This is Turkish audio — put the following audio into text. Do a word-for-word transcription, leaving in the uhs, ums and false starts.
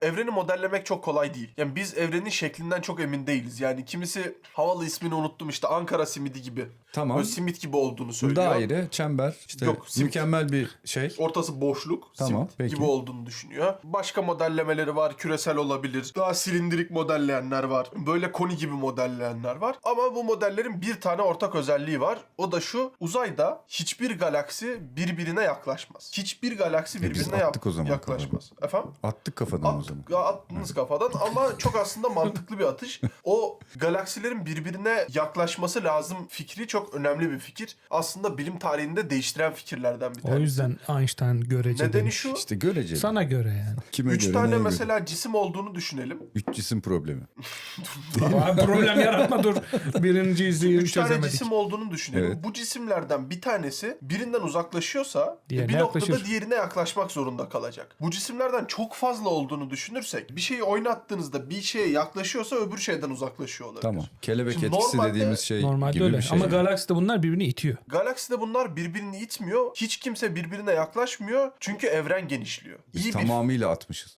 evreni modellemek çok kolay değil. Yani biz evrenin şeklinden çok emin değiliz. Yani kimisi havalı ismini unuttum işte Ankara simidi gibi. Tamam. Böyle simit gibi olduğunu söylüyor. Daire, çember, işte Yok, simit. mükemmel bir şey. Ortası boşluk, Tamam, simit peki. gibi olduğunu düşünüyor. Başka modellemeleri var, küresel olabilir. Daha silindirik modelleyenler var. Böyle koni gibi modelleyenler var. Ama bu modellerin bir tane ortak özelliği var. O da şu: uzayda hiçbir galaksi birbirine yaklaşmaz. Hiçbir galaksi E biz birbirine attık o zaman yaklaşmaz. Efendim? Attık kafadan o At, zaman. ya attınız kafadan ama çok aslında mantıklı bir atış. O galaksilerin birbirine yaklaşması lazım fikri çok önemli bir fikir. Aslında bilim tarihinde değiştiren fikirlerden bir tanesi. O yüzden Einstein görece Nedeni demiş. şu: İşte göreceli. Sana göre yani. Kime üç göre, tane neye göre? mesela cisim olduğunu düşünelim. Üç cisim problemi. Abi problem yaratma dur. Birinciyi Üç tane çözemedik. cisim olduğunu düşünelim. Evet. Bu cisimlerden bir tanesi birinden uzaklaşıyorsa Diğerine bir noktada yaklaşır. diğerine yaklaşmak zorunda kalacak. Bu cisimlerden çok fazla olduğunu düşünürsek bir şeyi oynattığınızda bir şeye yaklaşıyorsa öbür şeyden uzaklaşıyor olabilir. Tamam. Kelebek Şimdi etkisi normalde- dediğimiz şey Normalde gibi öyle. bir şey. Ama yani. galakside bunlar birbirini itiyor. Galakside bunlar birbirini itmiyor. Hiç kimse birbirine yaklaşmıyor. Çünkü evren genişliyor. Biz İyi bir tamamıyla atmışız.